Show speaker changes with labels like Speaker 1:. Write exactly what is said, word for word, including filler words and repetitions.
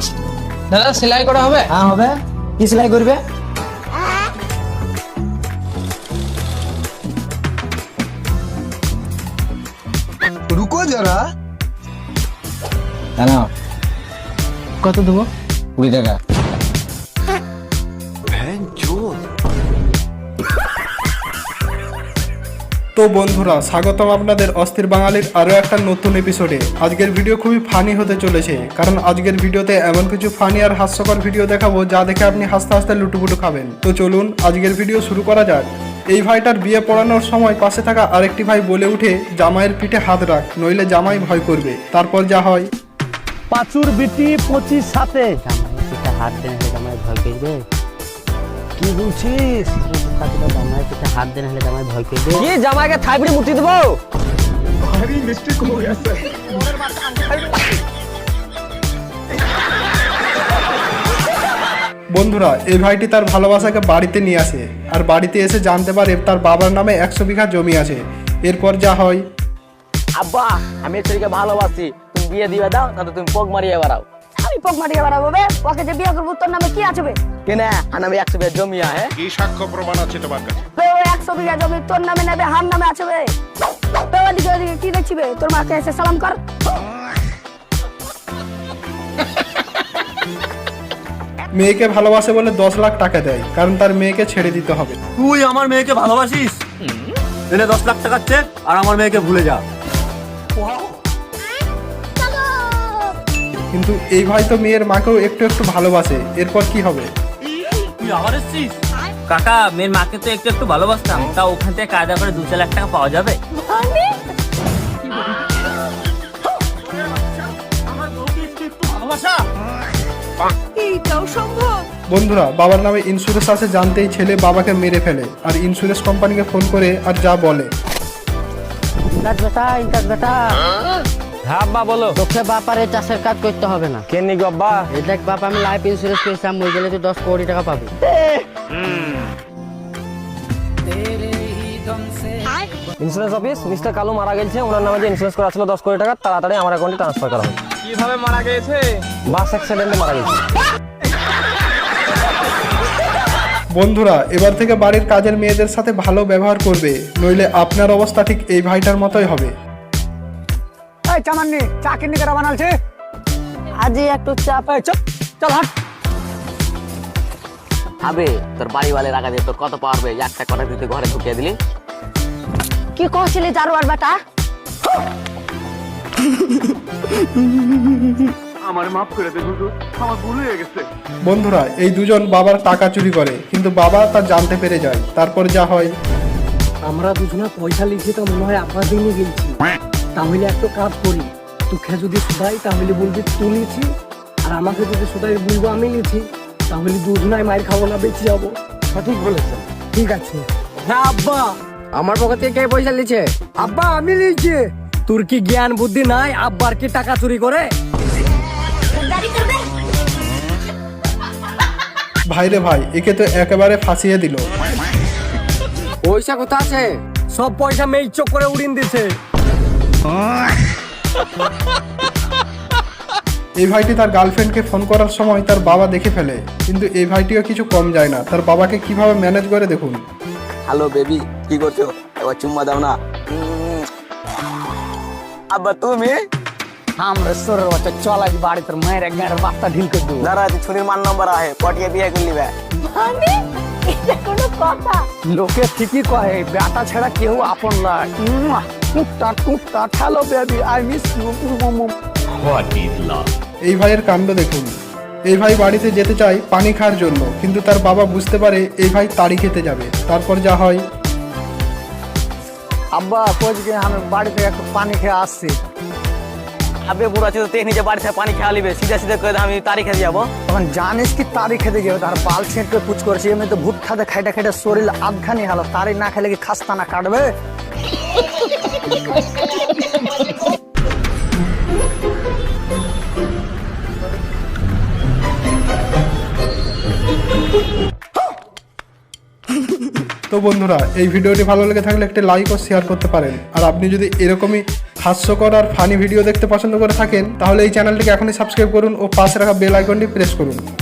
Speaker 1: দাদা সেলাই করা হবে?
Speaker 2: হ্যাঁ হবে। কি সেলাই করবে?
Speaker 3: रुको जरा।
Speaker 2: কেন?
Speaker 1: কত দেবো?
Speaker 2: কুড়ি টাকা।
Speaker 4: তো বন্ধুরা, স্বাগতম আপনাদের অস্থির বাঙালির আরও একটা নতুন এপিসোডে। আজকের ভিডিও খুবই ফানি হতে চলেছে, কারণ আজকের ভিডিওতে এমন কিছু ফানি আর হাস্যকর ভিডিও দেখাবো যা দেখে আপনি হাসতে হাসতে লুটুপুটু খাবেন। তো চলুন আজকের ভিডিও শুরু করা যাক। এই ভাইটার বিয়ে পড়ানোর সময় পাশে থাকা আরেকটি ভাই বলে উঠে, জামাইয়ের পিঠে হাত রাখ, নইলে জামাই ভয় করবে। তারপর যা হয়,
Speaker 5: পাঁচুর বিটি পঁচিশ সাথে
Speaker 6: জামাই পিঠে হাত দেন হলে জামাই ভয় করবে।
Speaker 5: কি বলছিস?
Speaker 6: জামাই পিঠে হাত দেন হলে জামাই ভয় করবে।
Speaker 5: কি জামাইকে থাইপড়ে মুটি দেবো?
Speaker 4: বন্ধুরা এই ভাইটি তার ভালোবাসাকে বাড়িতে নিয়ে আসে, আর বাড়িতে এসে জানতে পারে তার বাবার নামে একশো বিঘা জমি আছে। এরপর যা হয়,
Speaker 5: আব্বা আমি ছেলেকে ভালোবাসি, তুমি বিয়ে দিয়ে দাও, তাহলে তুমি পগ মারিয়ে বেড়াও।
Speaker 7: আমি পক মারিয়ে বেড়াবো বে? ওকে যে বিয়ে করবো তোর নামে কি আছে বে?
Speaker 5: কেন আর আমি একশো বিঘা জমি আছে?
Speaker 8: কি সাক্ষ্য প্রমাণ আছে তোমার কাছে?
Speaker 7: বে ও একশো বিঘা জমি তোর নামে নেবে, হার নামে আছে বে। বে ওদিকে ওদিকে কি দেখছি বে? তোর মাকে এসে সালাম কর।
Speaker 4: মেয়েকে ভালোবাসে বলে দশ লাখ টাকা দেয়, কারণ তার মেয়েকে ছেড়ে দিতে হবে।
Speaker 9: তুই আমার মেয়েকে ভালোবাসিস, এনে দশ লাখ টাকার চেক আর আমার মেয়েকে ভুলে যা।
Speaker 4: কিন্তু এই ভাই তো মেয়ের মাকেও একটু একটু ভালোবাসে। এরপর কি হবে?
Speaker 9: তুই আবার এসছিস? কাকা, মেয়ের মাকে তো একটু একটু ভালোবাসতাম, তা ওখান থেকে কায়দা করে দু চার লাখ টাকা পাওয়া যাবে?
Speaker 7: এইটাও সম্ভব?
Speaker 4: বন্ধুরা বাবার নামে ইন্স্যুরেন্স আছে জানতেই ছেলে বাবাকে মেরে ফেলে, আর ইন্স্যুরেন্স কোম্পানিকে ফোন করে আর যা বলে,
Speaker 6: ইন্টাজ বেটা, ইন্টাজ বেটা,
Speaker 5: হ্যাঁ আব্বা বলো।
Speaker 6: তোকে বাপার এই চাষের কাজ করতে হবে না।
Speaker 5: কেন গো আব্বা?
Speaker 6: এই দেখ বাপ, আমি লাইফ ইন্স্যুরেন্স করেছিলাম, মরে গেলে তুই দশ কোটি টাকা পাবি।
Speaker 5: ইন্স্যুরেন্স অফিস, মিস্টার কালু মারা গেছে, ওনার নামে যে ইন্স্যুরেন্স করা ছিল দশ কোটি টাকা, তাড়াতাড়ি আমার অ্যাকাউন্টে ট্রান্সফার করা হবে।
Speaker 1: কিভাবে মারা গেছে?
Speaker 5: বাস অ্যাক্সিডেন্টে মারা গেছে।
Speaker 4: বন্ধুরা এবার থেকে বাড়ির কাজের মেয়েদের সাথে ভালো ব্যবহার করবে, নইলে আপনার অবস্থা ঠিক এই ভাইটার মতোই হবে।
Speaker 2: এই চামান্নি, চা কিনে কেরা বানালছে?
Speaker 6: আজই একটু চাপ।
Speaker 2: এই চল, চল হাট।
Speaker 5: আবে তোর বাড়িওয়ালে রাখা দিয়ে তোর কত পারবে? একটা কথা দিতে ঘরে ঢুকিয়ে দিলি।
Speaker 7: কি কইছিলি জারুয়ার বেটা?
Speaker 4: বন্ধুরা এই দুজন বাবার টাকা চুরি করে, কিন্তু বাবা তা জানতে পেরে যায়। তারপর যা হয়,
Speaker 2: আমরা দুজনে পয়সা লিখি তো মনে হয় আব্বা দিনই গেছি। তাহলে একটা কাজ করি, তোকে যদি শুধাই তাহলে বলবি তুই লিখি, আর আমাকে যদি শুধাই বলবো আমি লিখি, তাহলে দুজনাই মায়ের খাবো না, বেঁচে যাবো। সঠিক বলেছেন। ঠিক আছে। হ্যাঁ আব্বা,
Speaker 6: আমার পকেট থেকে কে পয়সা লিছে?
Speaker 2: আব্বা আমি লিখছি। তোর কি জ্ঞান বুদ্ধি নাই? আব্বার কি টাকা চুরি করে?
Speaker 4: ভাইরে ভাই, একে তো একেবারে ফাঁসিয়ে দিল।
Speaker 6: পয়সা কোথা আছে?
Speaker 2: সব পয়সা মেয়ে চোখ করে উড়িয়ে দিছে।
Speaker 4: এই ভাইটি তার গার্লফ্রেন্ডকে ফোন করার সময় তার বাবা দেখে ফেলে, কিন্তু এই ভাইটিও কিছু কম যায় না। তার বাবাকে কিভাবে ম্যানেজ করে দেখুন।
Speaker 5: হ্যালো বেবি, কি করছো? এবার চুম্মা দাও না। আব্বা তুমি?
Speaker 2: আমরা সরের বাচ্চা, চল আজ বাড়ি তোর মায়ের এক গাড়ির বাস্তা ঢিল করে দেবো।
Speaker 5: দাঁড়া, ছুরির মান নম্বর আহে, পটিয়ে বিয়ে করলি বে।
Speaker 7: মানে এটা কোনো কথা?
Speaker 2: লোকে ঠিকই কহে, বেটা ছাড়া কেউ আপন নয়। টুকটা টুকটা, hello baby, I miss you.
Speaker 4: এই ভাইয়ের কাণ্ড দেখুন। এই ভাই বাড়িতে যেতে চায় পানি খাওয়ার জন্য, কিন্তু তার বাবা বুঝতে পারে এই ভাই তাড়ি খেতে যাবে। তারপর যা হয়,
Speaker 2: আব্বা কোচকে আমি বাড়ি থেকে একটু পানি খেয়ে আসছি।
Speaker 5: আবে বুড়া ছিল তো নিজে বাড়ি থেকে পানি খেয়ে লিবে, সিধা সিধা করে আমি তারি খেতে যাবো।
Speaker 2: তখন জানিস কি তারি খেতে গেবে, তার বাল ছেঁটকে পুচ করেছি। এমনি তো ভুট খাতে খাইটা খাইটা শরীর আধখানি হলো, তারি না খেলে কি খাস্তা না কাটবে?
Speaker 4: তো বন্ধুরা এই ভিডিওটি ভালো লেগে থাকলে একটি লাইক ও শেয়ার করতে পারেন, আর আপনি যদি এরকমই হাস্যকর আর ফানি ভিডিও দেখতে পছন্দ করে থাকেন তাহলে এই চ্যানেলটিকে এখনই সাবস্ক্রাইব করুন ও পাশে রাখা বেল আইকনটি প্রেস করুন।